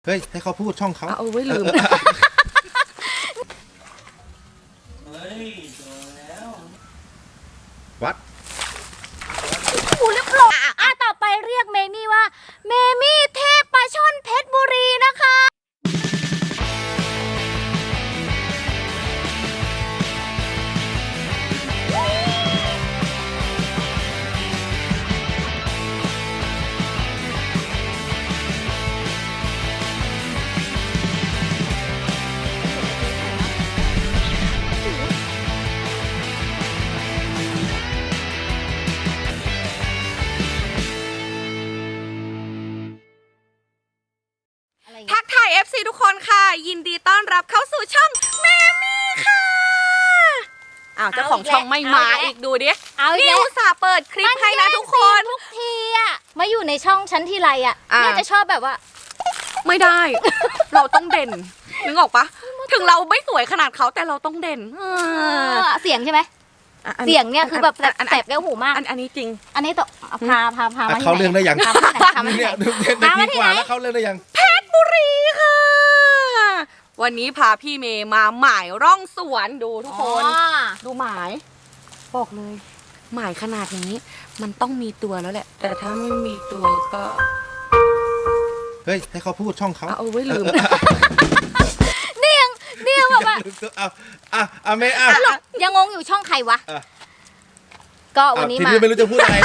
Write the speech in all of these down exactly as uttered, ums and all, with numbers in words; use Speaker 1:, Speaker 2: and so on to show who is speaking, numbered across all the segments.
Speaker 1: เฮ้ยให้เขาพูดช่องเขา
Speaker 2: เอาไว้ลืม
Speaker 1: วัด
Speaker 3: หูเรียบร้อยอ่ะต่อไปเรียกเมมี่ว่าเมมี่เทพปลาช่อนเพชรบุรีนะคะ
Speaker 2: ทักทาย เอฟ ซี ทุกคนค่ะยินดีต้อนรับเข้าสู่ช่องแมมี่ค่ะอ้าวเจ้าของช่องไม่มาอีกดูดินี่อุตส่าห์เปิดคลิปให้นะทุกคน
Speaker 3: ทุกทีอะมาอยู่ในช่องชั้นทีไรอะเนี่ยจะชอบแบบว่า
Speaker 2: ไม่ได้ เราต้องเด่นนึกออกปะถึงเราไม่สวยขนาดเขาแต่เราต้องเด่น
Speaker 3: เสียงใช่ไหมเสียงเนี่ยคือแบบแสบแก้วหูมาก
Speaker 2: อันนี้จริง
Speaker 3: อันนี้ต้องพาพาพามา
Speaker 1: เขาเรื่องได้ยัง
Speaker 3: เนี่ย
Speaker 1: เด็กดีกว่าแล้วเขาเรื่องได้ยัง
Speaker 2: เพชรบุรีค่ะวันนี้พาพี่เมย์มาหมายร่องสวนดูทุกคนดูหมายบอกเลยหมายขนาดนี้มันต้องมีตัวแล้วแหละแต่ถ้าไม่มีตัวก็
Speaker 1: เฮ้ยให้เขาพูดช่องเขา
Speaker 2: เอาไว้ลืม
Speaker 3: เนี่ยเนี่ยแบบว่า
Speaker 1: เอาอ่ะอ่ะเมย์อ่ะ
Speaker 3: ยังงงอยู่ช่องใครวะก็วันนี้มา
Speaker 1: ทีนี้ไม่รู้จะพูดอะไร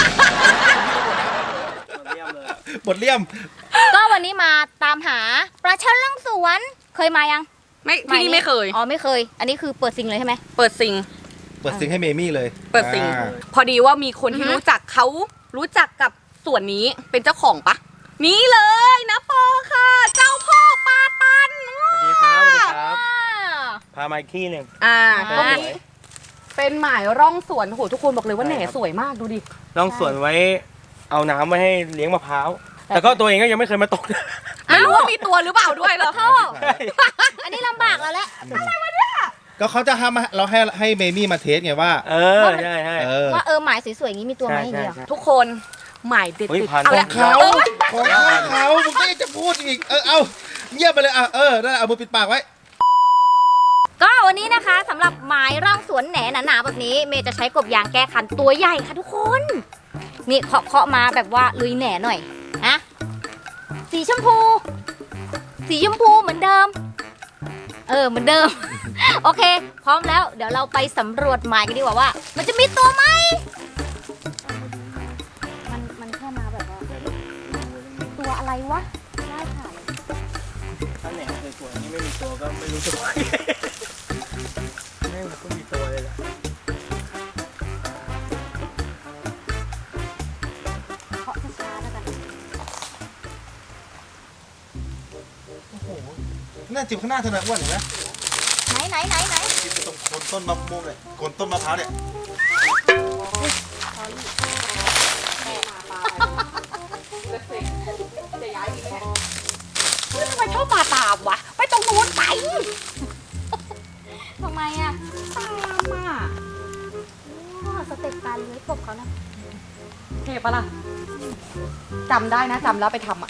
Speaker 1: บทเลี่ยม
Speaker 3: ก็วันนี้มาตามหาปลาช่อนล่องสวนเคยมายัง
Speaker 2: ไม่ที่นี่ไม่เคย
Speaker 3: อ๋อไม่เคยอันนี้คือเปิดซิงเลยใช่ไหม
Speaker 2: เปิดซิง
Speaker 1: เปิดซิงให้เมมี่เลย
Speaker 2: เปิดซิงพอดีว่ามีคนที่รู้จักเขารู้จักกับส่วนนี้เป็นเจ้าของปะนี่เลยนะปอค่ะเจ้าพ่อปาตัน
Speaker 4: สวัสดีครับสวัสดีครับพามาอีกที่หนึ่ง
Speaker 2: อ่าก็เป็นหมายร่องสวนโหทุกคนบอกเลยว่าแหน่สวยมากดูดิ
Speaker 4: ร่องสวนไว้เอาน้ำไว้ให้เลี้ยงมะพร้าวแต่ก็ตัวเองก็ยังไม่เคยมาตก
Speaker 2: ไม่รู้ว่ามีตัวหรือเปล่าด้วยเหรอพ่อ
Speaker 3: อันนี้ลำบากแล้วแหละ
Speaker 2: อะไรวะเนี่ย
Speaker 1: ก็เขาจะทำเราให้ให้เมมี่มาเทสไงว่า
Speaker 4: เออใช่ใช่
Speaker 3: ว่าเออหมายสวยๆอย่างนี้มีตัวไหมอย่างนี้
Speaker 2: ทุกคนหมายเด็ด
Speaker 1: ๆเอาละเขาของเขามึงก็จะพูดอีกเออเอาเงียบไปเลยอ่ะเออได้เอามือปิดปากไว้
Speaker 3: ก็วันนี้นะคะสำหรับหมายร่องสวนแหนหนาๆแบบนี้เมย์จะใช้กบยางแก้คันตัวใหญ่ค่ะทุกคนนี่เคาะเคาะมาแบบว่าลุยแหนหน่อยนะสีชมพูสีชมพูเหมือนเดิมเออเหมือนเดิมโอเคพร้อมแล้วเดี๋ยวเราไปสำรวจหมายกันดีกว่าว่ามันจะมีตัวไหมมันมันแค่มาแบบว่าตัวอะไรวะได้ค่ะ
Speaker 4: ถ้าแหน่สวยๆนี่ไม่มีตัวก็ไม่รู้จะว่าไม่ก็มีตัวเลยแหละ
Speaker 3: เคาะช้าๆแล้วกัน
Speaker 1: โอ้โหน่าจิบข้างหน้าเธอหน่อยอ้วนเห็นไหม
Speaker 3: ไหนไหนไหนไหน
Speaker 1: จิบตรงโคนต้นมะม่วงเลยโคนต้นมะพร้าวเนี่ย
Speaker 2: จะย้ายอีกแล้วทำไมชอบมาตามวะไปตรงนู้นไป
Speaker 3: ทำไมอ่ะ
Speaker 2: ตามอ่ะ
Speaker 3: สเต็ปการเลื้อยกบเขานะ
Speaker 2: เท่ปะล่ะจำได้นะจำแล้วไปทำอ่ะ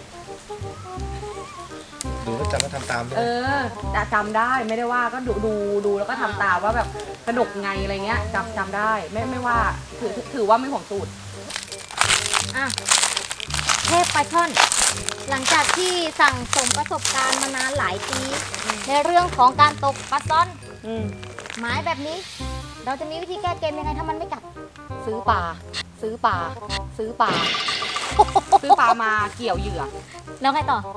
Speaker 1: ดูแล้วจำก็ทำตามด้วย
Speaker 2: เออจำได้ไม่ได้ว่าก็ดูดูดูแล้วก็ทำตามว่าแบบสนุกไงอะไรเงี้ยจำจำได้ไม่ไม่ว่าถือถือว่าไม่ห่วงสูตร
Speaker 3: อ่ะเทพปลาช่อนหลังจากที่สั่งสมประสบการณ์มานานหลายปีในเรื่องของการตกปลาช่อนหมายแบบนี้เราจะมีวิธีแก้เกมยังไงถ้ามันไม่กัด
Speaker 2: ซื้อปลาซื้อปลาซื้อปลาซื้อปลามาเกี่ยวเหยื่อ
Speaker 3: แล้วไงต่อ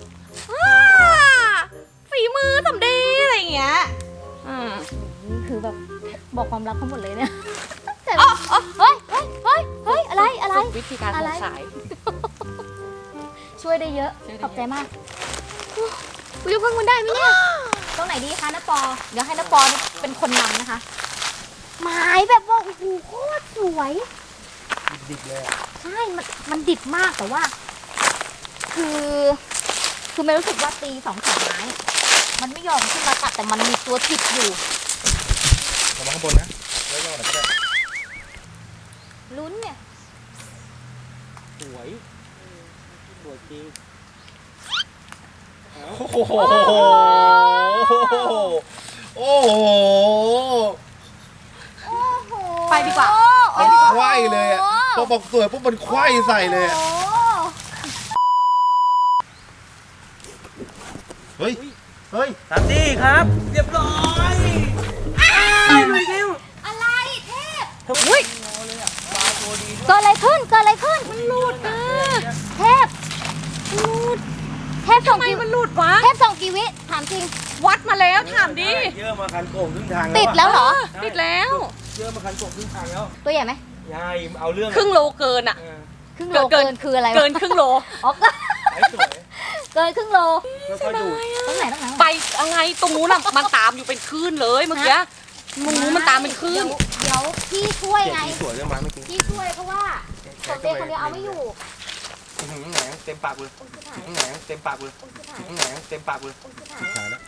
Speaker 2: ฝีมือสำดีอะไรอย่างเงี้ย
Speaker 3: นี่คือแบบบอกความลับทั้งหมดเลยเนี่ยแต่เฮ้ยเฮ้ยเฮ้ยเฮ้ยอะไรอะไร
Speaker 2: วิธีการขาย
Speaker 3: ช่วยได้เยอะขอบใจมากวิวเพิ่งมันได้ไหมเนี่ยตรงไหนดีคะน้าปอเดี๋ยวให้น้าปอเป็นคนนำนะคะหมายแบบว่าโอ้โหโคตรสวย
Speaker 4: ดิบเลยอ่ะ
Speaker 3: ใช่มันมันดิบมากแต่ว่าคือคือไม่รู้สึกว่าตีสองสามไม้มันไม่ยอมขึ้นมาตัดแต่มันมีตัวติดอยู่
Speaker 1: ลงมาข้างบนนะแล้วย่อหน่อยก็ได้
Speaker 3: ลุ้นเนี่ย
Speaker 4: สวยสวยจริง
Speaker 1: โอ้โหโอ้โห
Speaker 2: ไปดีกว่า
Speaker 1: มันไขว้เลยอ่ะพอบอกสวยปุ๊บมันไขว้ใส่เลยอะเฮ้ยเฮ้ย
Speaker 4: ตามที่ครับ เรียบร้อยลุยเร็ว
Speaker 3: อะไรเทพ
Speaker 2: อุ้ย
Speaker 3: เกิดอะไรขึ้นเกิดอะไรขึ้นมันหลุดนะเทพหลุดเทพส่
Speaker 2: ทำ
Speaker 3: ง
Speaker 2: ไม
Speaker 3: กี่
Speaker 2: มันหลุดวะ
Speaker 3: เทพส่งกี่วิถามจริง
Speaker 2: วัดมาแล้วถามดิ
Speaker 4: เยอะมาคันโก่งครึ่งทาง
Speaker 3: ติดแล้วเหรอ
Speaker 2: ติดแล้ว
Speaker 4: เยอะมาคันโก่งครึ่งทางแล้ว
Speaker 3: ตัวใหญ่ไหม
Speaker 4: ยายเอาเรื่อง
Speaker 2: ครึ่งโลเกินอ่ะ
Speaker 4: เออ
Speaker 3: ครึ่งโล
Speaker 2: เกิ
Speaker 3: เกิ
Speaker 2: น
Speaker 3: นคืออะไรวะ
Speaker 2: เกินครึ่งโล
Speaker 3: อ๋อเกิน
Speaker 4: ไอ้สวย
Speaker 3: เกินครึ่งโล
Speaker 4: ค่อยๆดู
Speaker 3: ตรงไหนตรงไหน
Speaker 2: ไปอะไรตรงนู้นน่ะมันตามอยู่เป็นคลื่นเลยเมื่อกี้มึงรู้มันตามเป็นคลื่น
Speaker 3: เดี๋ยวเดี๋ยวพี่ช่วย
Speaker 4: เก่ง
Speaker 3: ไง
Speaker 4: ที่สวยเรื่องมาเมื่อกี้
Speaker 3: พี่ช่วยเพราะว่าสมเด็จคนเดียวเอาไม่อยู่
Speaker 4: อื้อหือแหนเต็มปากเลย
Speaker 3: โอ้ยชิบหาย
Speaker 4: อื้อหือแหนเต็มปากเลย
Speaker 3: โอ้ยชิบหาย
Speaker 4: อื้อหือแหนเต็มปากเลย
Speaker 3: โอ้ยชิบหาย
Speaker 1: ตายแล้ว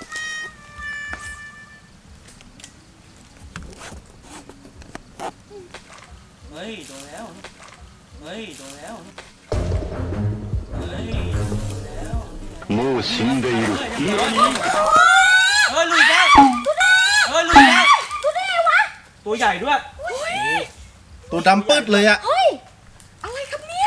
Speaker 4: เฮ้ยโดนแล้วเฮ้ยโดนแล้วเฮ้ยโดนแล้ว
Speaker 5: もう死んでいる。
Speaker 4: เฮ้ยลุยแล้วเฮ้ยลุยแล้วตัวใหญ่ด้วย
Speaker 1: ตัวดำปื้ดเลยอ่ะ
Speaker 2: เฮ้ยอะไรครับเนี่ย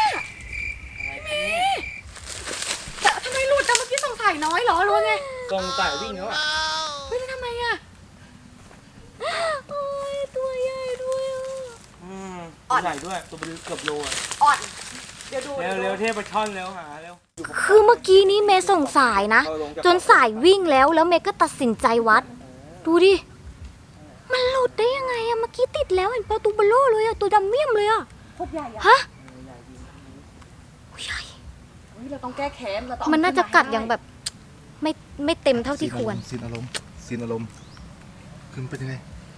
Speaker 2: แต่ทำไมหลุดแต่เมื่อกี้สงสัยน้อยเหรอหรือว่าไง
Speaker 4: กองสายวิ่งแล้วอ่ะ
Speaker 2: เฮ้ยแล้วทำไมอ่ะ
Speaker 3: โอ้ยตัวใหญ่ด้วยอ่ะ
Speaker 4: อืมตัวใหญ่ด้วยตัวเป็นเกือบโลอ่ะ
Speaker 2: อ่อนเดี๋ยวดู
Speaker 4: เร็วเร็วเทพไปช่อนเร็วหาเร็ว
Speaker 3: คือเมื่อกี้นี้เมย์ส่งสายนะ จนสายวิ่งแล้วแล้วเมย์ก็ตัดสินใจวัด ดูดิ มันหลุดได้ยังไงอะเมื่อกี้ติดแล้วเห็นปลาตูเบโลเลยอะตัวดำเมี่ยมเลยอะ
Speaker 2: พวกใหญ่อะ
Speaker 3: ฮะโอ้ยใหญ่
Speaker 2: เฮ้ยเราต้องแก้แค้นเราต้อง
Speaker 3: มันน่าจะกัดอย่างแบบ ไม่ไม่เต็มเท่าที่ควร
Speaker 1: ซีนอารมณ์ซีนอารมณ์คือมันเป็นยังไง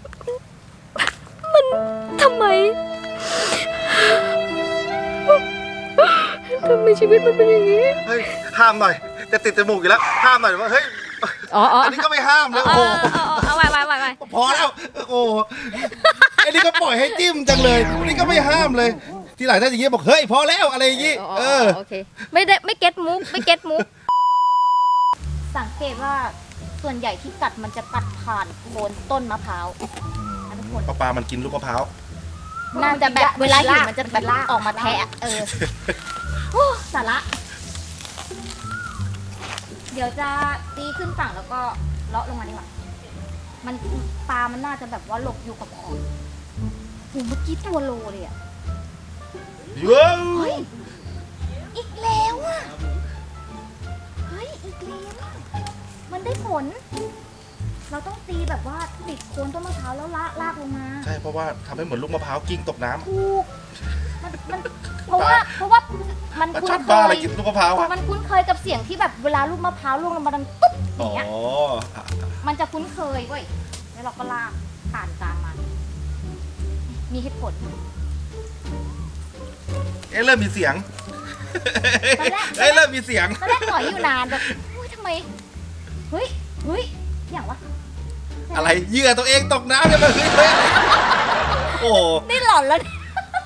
Speaker 3: ทำไมทำไมชีวิตมันเป็นอย่างนี้
Speaker 1: เฮ้ยห้ามหน่อยจะติดจมูกอยู่แล้วห้ามหน่อยว่าเฮ้ย
Speaker 3: อ๋ออ๋อ
Speaker 1: อันนี้ก็ไม่ห้ามเลยโอ้โห
Speaker 3: เอาไว้ไว้ไว้ไว้
Speaker 1: พอแล้วโอ้โหไอ้นี่ก็ปล่อยให้จิ้มจังเลยอันนี้ก็ไม่ห้ามเลย ทีหลังถ้าอย่างงี้บอกเฮ้ยพอแล้วอะไรอย่างงี้เออ
Speaker 3: โอเค ไม่ได้ไม่เก็ตมุกไม่เก็ตมุก สังเกตว่าส่วนใหญ่ที่กัดมันจะกัดผ่านโคนต้นมะพร้าวนะทุกคน
Speaker 1: ปลาปลามันกินลูกมะพร้าว
Speaker 3: น่าจะแบบเวลาหิวมันจะแบบออกมาแทะเออโอ้สาระ เดี๋ยวจะตีขึ้นฝั่งแล้วก็เลาะลงมาดีกว่ามันปลามันน่าจะแบบว่าหลบอยู่กับขอบโหเมื่อกี้ตัวโลเลยอ่ะ
Speaker 1: เย้ย
Speaker 3: เฮ้ย อีกแล้วอ่ะ เฮ้ย อีกแล้วอะมันได้ผล เราต้องตีแบบว่าติดโคนต้นมะพร้าวแล้วลากลากลงมา
Speaker 1: ใช่เพราะว่าทำให้เหมือนลูกมะพร้าวกิ้งตกน้ำ
Speaker 3: ถูก มันมันเพราะว่าเพราะว่ามัน
Speaker 1: ปลา
Speaker 3: คุ้
Speaker 1: ช่อน น
Speaker 3: เค
Speaker 1: บ้าอะไร
Speaker 3: ย
Speaker 1: กินลูกมะพร้าวอะ
Speaker 3: มันคุ้นเคยกับเสียงที่แบบเวลาลูกมะพร้าวล่วงลงมาดังตุ๊บอ
Speaker 1: อ๋อย่าง
Speaker 3: เงี้ย
Speaker 1: อ่ะ
Speaker 3: มันจะคุ้นเคยเว้ย แล้วเราก็ลากผ่านกลางมา มีเหตุผล
Speaker 1: เอ๊ะเริ่มมีเสียง
Speaker 3: ตอนแรก
Speaker 1: เอ๊ะเริ่มมีเสียง
Speaker 3: ตอนแรกหน่อยอยู่นานแบบอุ้ยทำไม เฮ้ย เฮ้ย อย่างวะ
Speaker 1: อะไรเหยื่อตัวเองตกน้ำเนี่ยมันเฮ้ยเฮ้ยอะไรโอ้โห
Speaker 3: นี่หลอนแล้วเนี่ย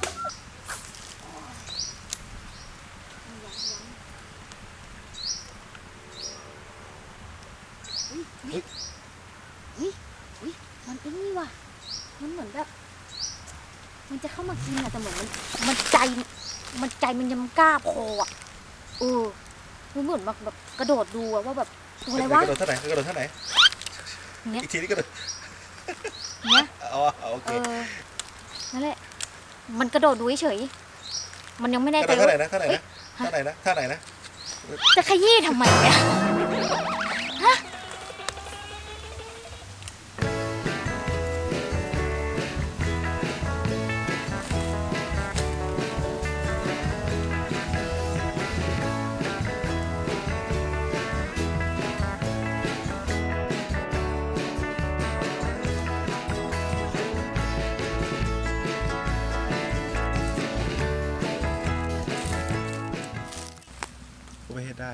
Speaker 3: เฮ้ยเฮ้ยเฮ้ยมันไอ้นี่ว่ะ มันเหมือนแบบ มันจะเข้ามากินอะแต่เหมือนมัน มันใจ มันใจมันยังกล้าพออะเออมันเหมือนแบบแบบกระโดดดูอะว่าแบบตัวอะไรวะ
Speaker 1: กระโดดเท่าไหร่กระโดดเท่าไหร่
Speaker 3: เนี้ย
Speaker 1: อีกทีนี้กระโดด
Speaker 3: เนี้ย
Speaker 1: อ๋อโอเค
Speaker 3: เออ นั่นแหละ มันกระโดดดูเฉยๆมันยังไม่แน่
Speaker 1: ก
Speaker 3: ใจ
Speaker 1: ระโดดเท่าไหร่
Speaker 3: ว่า
Speaker 1: นะเท่าไหร่นะเท่าไหร่นะเท่าไหร่นะ
Speaker 3: จะขยี้ทำไมเนี่ย ฮะ
Speaker 1: กูไม่เห็นได้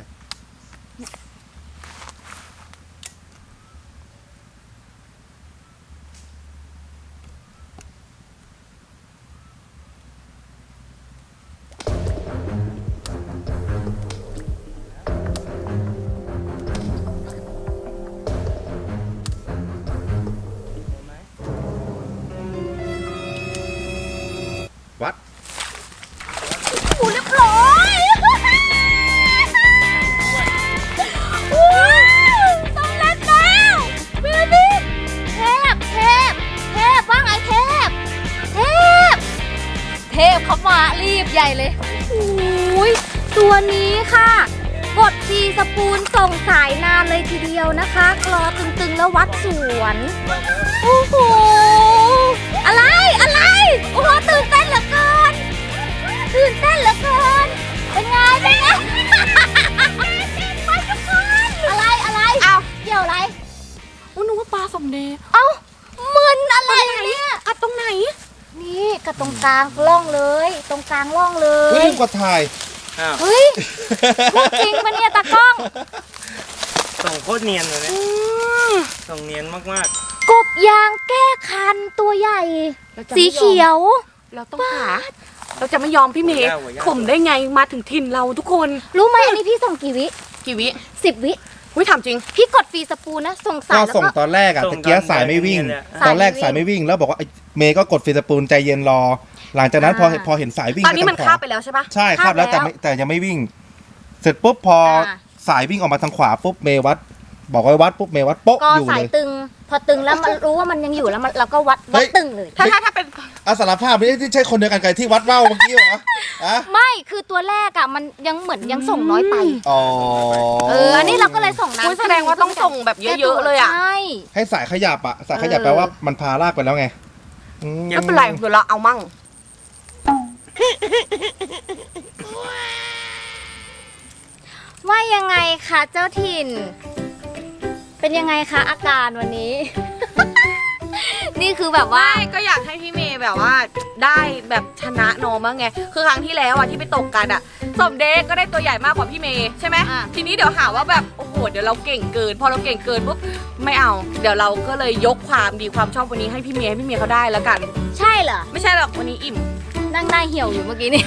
Speaker 3: สปูนส่งสายนานเลยทีเดียวนะคะกรอตึงๆแล้ววัดสวนโอ้โหอะไรอะไรโอ้โหตื่นเต้นเหลือเกินตื่นเต้นเหลือเกินเป็นไงเป็นไงไปทุกคนอะไรอะไรเอาเกี่ยวอะไร
Speaker 2: อุ้นึกว่าปลาสมเด็จ
Speaker 3: เอ้ามึนอะไรเนี่ย
Speaker 2: กัดตรงไหน
Speaker 3: นี่กระตรงกลางร่องเลย ตรงกลางร่องเล
Speaker 1: เฮ้
Speaker 3: ย
Speaker 1: ยกว่าถ่าย
Speaker 4: อ้าว
Speaker 3: เฮ้ยพูดจริงปะเนี่ยตากล้อง
Speaker 4: ส่งโคตรเนียนเลยเนี่ยส่งเนียนมาก
Speaker 3: กบยางแก้คันตัวใหญ่ สีเขียว
Speaker 2: เราต้องหา เราจะไม่ยอมพี่เมย์ข่มได้ไงมาถึงถิ่นเราทุกคน
Speaker 3: รู้ไหมอันนี้พี่ส่งกี่วิ
Speaker 2: กี่วิ
Speaker 3: สิบวิ
Speaker 2: อุ้ยถามจริง
Speaker 3: พี่กดฟรีสปูนนะ ส่งสา
Speaker 1: ก็
Speaker 3: ยแล้ว
Speaker 1: ส่ง
Speaker 3: ก็
Speaker 1: ตอนแรกอะตะเกียสายไม่วิ่ง ตอนแรกสายไม่วิ่งแล้วบอกว่าไอ้เมย์ก็กดฟีสปูนใจเย็นรอ หลังจากนั้นพอ
Speaker 3: อ่า
Speaker 1: พอเห็นสายวิ่ง
Speaker 2: ตอนนี้มัน
Speaker 1: ไปทงข
Speaker 2: คาว บไปแล้วใช่ปะ
Speaker 1: ใช่คาบแล้วแต่ไม่แต่ยังไม่วิ่ง เสร็จปุ๊บพออา สายวิ่งออกมาทางขวาปุ๊บเมย์วัด บอกไว้วัดปุ๊บเมย์วัดโป๊ะ
Speaker 3: ก็
Speaker 1: อยู่
Speaker 3: สา
Speaker 1: เลย ย
Speaker 3: ตึง พอตึงแล้วมันรู้ว่ามันยังอยู่แล้วมันเราก็วัดวัดตึงเลย
Speaker 2: ถ้าถ้าถ้าเป็น
Speaker 1: อาสารภาพไม่ได้ที่ใช่คนเดียวกันกับที่วัดเบ้าเมื่อกี้เหรออะ
Speaker 3: ไม่คือตัวแรกอะมันยังเหมือนยังส่งน้อยไป
Speaker 1: อ๋อ
Speaker 3: เอออันนี้เราก็เลยส่งน้ำ
Speaker 2: อุ้ยแสดงว่าต้องส่งแบบเยอะๆเลยอ่ะ
Speaker 3: ใช่
Speaker 1: ให้สายขยับอะสายขยับ
Speaker 2: เออ
Speaker 1: แปลว่ามันพาลากไปแล้วไงอืม
Speaker 2: ไม่เป็นไรเดี๋ยวเราเอามั่ง
Speaker 3: ว่ายังไงคะเจ้าถิ่น เป็นยังไงคะอาการวันนี้ นี่คือแบบว่า
Speaker 2: ไม่ก็อยากให้พี่เมย์แบบว่าได้แบบชนะน้องบ้างไง คือครั้งที่แล้วอ่ะที่ไปตกกันอ่ะสมเด็จก็ได้ตัวใหญ่มากกว่าพี่เมย์ใช่ไหม
Speaker 3: อ่ะ
Speaker 2: ทีนี้เดี๋ยวหาว่าแบบโอ้โหเดี๋ยวเราเก่งเกิน พอเราเก่งเกินปุ๊บไม่เอา เดี๋ยวเราก็เลยยกความดีความชอบวันนี้ให้พี่เมย์ให้พี่เมย์เขาได้แล้วกัน
Speaker 3: ใช่เหรอ
Speaker 2: ไม่ใช่หรอกวันนี้อิ่ม
Speaker 3: นั่งหน้าเหี่ยวอยู่เมื่อกี้นี่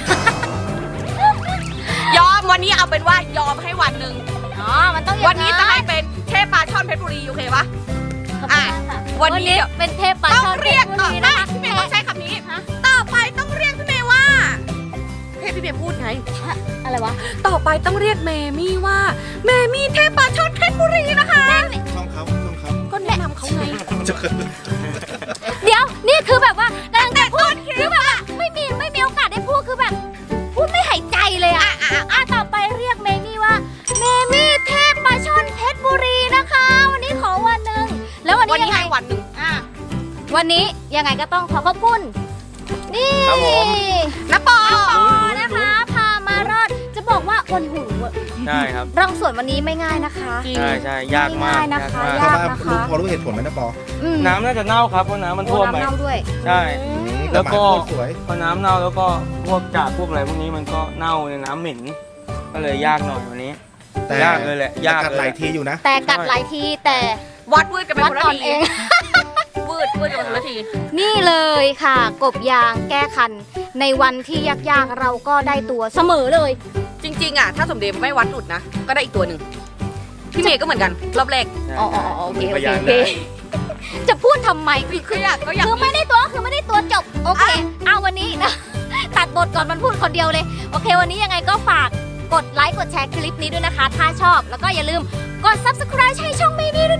Speaker 2: ยอมวันนี้เอาเป็นว่ายอมให้วันหนึ่ง
Speaker 3: อ๋อ มันต้องอย่าง
Speaker 2: วันนี้จะให้เป็นเทพปลาช่อนเพชรบุรีโอเคปะ
Speaker 3: ขอบคุณมากค่ะ
Speaker 2: วั
Speaker 3: วัน
Speaker 2: นนี้
Speaker 3: นี้เป็นเทพปลา
Speaker 2: ต้
Speaker 3: ช่
Speaker 2: อ
Speaker 3: อง น
Speaker 2: เรียก
Speaker 3: พช
Speaker 2: ต่อ
Speaker 3: บุ
Speaker 2: ได้
Speaker 3: นะคะ
Speaker 2: พี่เมย์ต้องใช้คำนี้
Speaker 3: ฮะ
Speaker 2: ต่อไปต้องเรียกพี่เมย์ว่าให้พี่เมย์พูดไง
Speaker 3: อะไรวะ
Speaker 2: ต่อไปต้องเรียกเมมี่ว่าเมมี่เทพปลาช่อนเพชรบุรีนะคะ
Speaker 1: ช่องเขาช่องเขา
Speaker 2: ก็แนะนำเขาไง
Speaker 3: เดี๋ยว นี่คือแบบว่ากำลังจะพูดคือแบบว่าไม่มีไม่มีโอกาสได้พูดคือแบบ พูดไม่หายใจเลยอะอ่ะอ่ะต่อไปเรียกเมมี่ว่าเมมี่เทพปลาช่อนเพชรบุรีนะคะ วันนี้ขอวันหนึ่งแล้ววัน
Speaker 2: วัน
Speaker 3: นี้
Speaker 2: นี้
Speaker 3: ยังไง
Speaker 2: ให้วันหนึ่ง
Speaker 3: อ่ะวันนี้ยังไงก็ต้องขอขอบคุณนี่
Speaker 4: ครับผม
Speaker 2: นะปอ
Speaker 3: ปอนะคะ พามารอดจะบอกว่าวันหู
Speaker 4: ๆ ใช่ครับ
Speaker 3: รังสวนวันนี้ไม่ง่ายนะคะ
Speaker 4: ใช่ใช่ยากมาก
Speaker 3: ไม่ง่ายนะคะ
Speaker 4: ยากมาก
Speaker 3: ยาก
Speaker 1: ทำไมรู้พอรู้เหตุผลไหมนะปอ
Speaker 3: อืม
Speaker 4: น้ำน่าจะเน่าครับเพราะน้ำมัน
Speaker 3: โอ้
Speaker 4: ท่วม
Speaker 3: น้ำ
Speaker 4: ไป
Speaker 3: เน่าด้วย
Speaker 4: ใช่
Speaker 1: แต่
Speaker 4: แล้ว
Speaker 1: หมา
Speaker 4: ก็
Speaker 1: โคตรสวย
Speaker 4: พอน้ำเน่าแล้วก็พวกจากพวกอะไรพวกนี้มันก็เน่าในน้ำเหม็นก็เลยยากหน่อยวันนี้
Speaker 1: แต่
Speaker 4: ยากเลยแหละยาก
Speaker 1: แต่กัด
Speaker 4: เลย
Speaker 1: หลายทีอยู่นะ
Speaker 3: แต่กัดหลายทีแต่
Speaker 2: วัดวืดกันไป
Speaker 3: วัด
Speaker 2: คนละ
Speaker 3: ตอน
Speaker 2: ที
Speaker 3: เอง
Speaker 2: วืดวืดกันไปคนละที
Speaker 3: นี่เลยค่ะ กบยางแก้คัน ในวันที่ยากๆเราก็ได้ตัวเสมอเลย
Speaker 2: จริงๆอ่ะถ้าสมเด็จไม่วัดหลุดนะ ก็ได้อีกตัวหนึ่งพี่เมย์ก็เหมือนกันรอบแรก
Speaker 3: อ๋ออ๋ออ๋อโอเคโอ
Speaker 4: พ
Speaker 3: เค
Speaker 4: ยาน
Speaker 3: โอเค
Speaker 4: ได้
Speaker 3: จะพูดทำไมคือ
Speaker 2: ก็
Speaker 3: คือ
Speaker 2: อยากก็อยาก
Speaker 3: คือไม่ได้ตัวก็คือไม่ได้ตัวจบ โอเคเอาวันนี้นะ ตัดบทก่อนมันพูดคนเดียวเลย โอเค วันนี้ยังไงก็ฝากกดไลค์กดแชร์คลิปนี้ด้วยนะคะ ถ้าชอบแล้วก็อย่าลืมกด ซับสไครบ์ ให้ช่องเมมี่ด้วย